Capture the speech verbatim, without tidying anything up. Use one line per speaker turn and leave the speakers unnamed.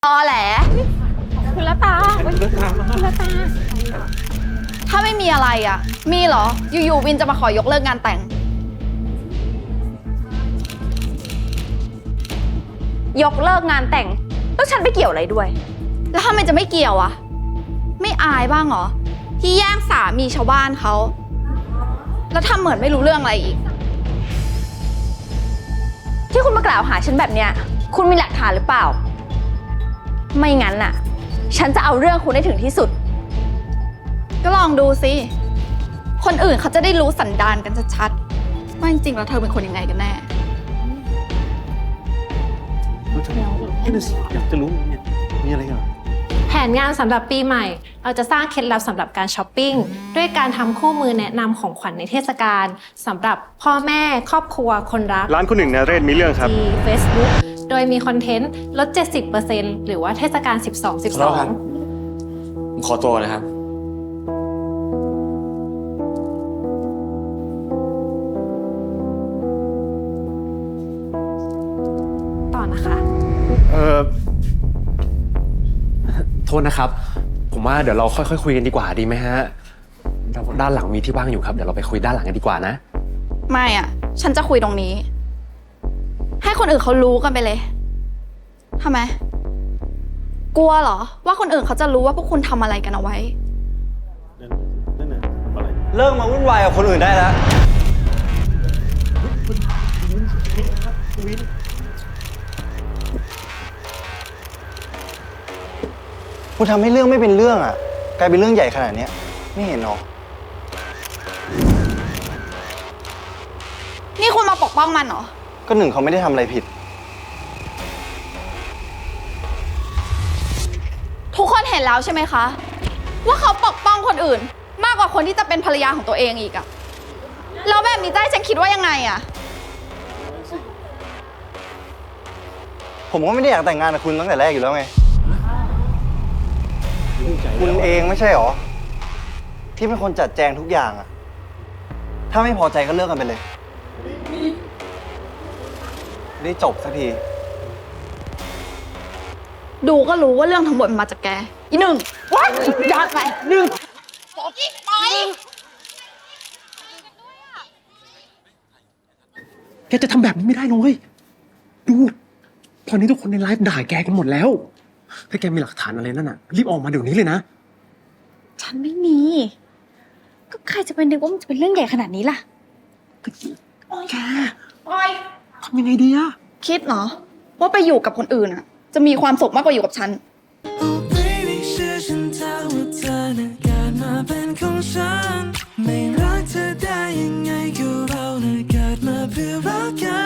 ตอแหลคุณละตาคุณละตาถ้าไม่มีอะไรอ่ะมีเหรออยู่ๆวินจะมาขอยกเลิกงานแต่ง
ยกเลิกงานแต่งแล้วฉันไปเกี่ยวอะไรด้วย
แล้วทำไมจะไม่เกี่ยวอะไม่อายบ้างเหรอที่แย่งสามีชาวบ้านเขาแล้วทำเหมือนไม่รู้เรื่องอะไรอีก
ที่คุณมากล่าวหาฉันแบบเนี้ยคุณมีหลักฐานหรือเปล่าไม่งั้นน่ะฉันจะเอาเรื่องคุณให้ถึงที่สุด
ก็ลองดูสิคนอื่นเขาจะได้รู้สันดานกันชัดๆว่าจริงๆแล้วเธอเป็นคนยังไงกันแน่
อยากจะรู้เนี่ยมีอะไรกัน
แผนงานสำหรับปีใหม่เราจะสร้างเคล็ดลับสำหรับการช้อปปิ้งด้วยการทำคู่มือแนะนำของขวัญในเทศกาลสำหรับพ่อแม่ครอบครัวคนรัก
ร้านคุณหนึ่งนะเรศมีเรื่องครับ
ที่ Facebook โดยมีคอนเทนต์ลด เจ็ดสิบเปอร์เซ็นต์ หรือว่าเทศกาล สิบสอง สิบสอง
ผมขอตัวนะครับ
ต่อนะคะ
เออ
โทษนะครับผมว่าเดี๋ยวเราค่อยๆคุยกันดีกว่าดีไหมฮะด้านหลังมีที่ว่างอยู่ครับเดี๋ยวเราไปคุยด้านหลังกันดีกว่านะ
ไม่อ่ะฉันจะคุยตรงนี้ให้คนอื่นเขารู้กันไปเลยทำไมกลัวเหรอว่าคนอื่นเขาจะรู้ว่าพวกคุณทำอะไรกันเอาไว้
เลิกมาวุ่นวายกับคนอื่นได้แล้วคุณทำให้เรื่องไม่เป็นเรื่องอ่ะกลายเป็นเรื่องใหญ่ขนาดนี้ไม่เห็นหรอ
นี่คุณมาปกป้องมันเหรอ
ก็หนึ่งเขาไม่ได้ทำอะไรผิด
ทุกคนเห็นแล้วใช่ไหมคะว่าเขาปกป้องคนอื่นมากกว่าคนที่จะเป็นภรรยาของตัวเองอีกอะแล้วแบบนี้จะให้ฉันคิดว่ายังไงอะ
ผมก็ไม่ได้อยากแต่งงานกับคุณตั้งแต่แรกอยู่แล้วไงคุณเองไม่ใช่หรอที่เป็นคนจัดแจงทุกอย่างอะถ้าไม่พอใจก็เลิกกันไปเลยได้จบสักที
ดูก็รู้ว่าเรื่องทั้งหมดมันมาจากแกอีหนึ่งว้ายยอดไปหนึ่งไป
แกจะทำแบบนี้ไม่ได้นะเว้ยดูตอนนี้ทุกคนในไลฟ์ด่าแกกันหมดแล้วถ้าแกมีหลักฐานอะไรนั่นน่ะรีบออกมาเดี๋ยวนี้เลยนะ
ฉันไม่มีก็ใครจะไปนึกว่ามันจะเป็นเรื่องใหญ่ขนาดนี้ล่ะ
แกทำยังไงดีอะ
คิดเหรอว่าไปอยู่กับคนอื่นอะจะมีความสุขมากกว่าอยู่กับฉัน
ไม่รักเธอได้ยังไงก็เราน่ะเกิดมาเพื่อรักกัน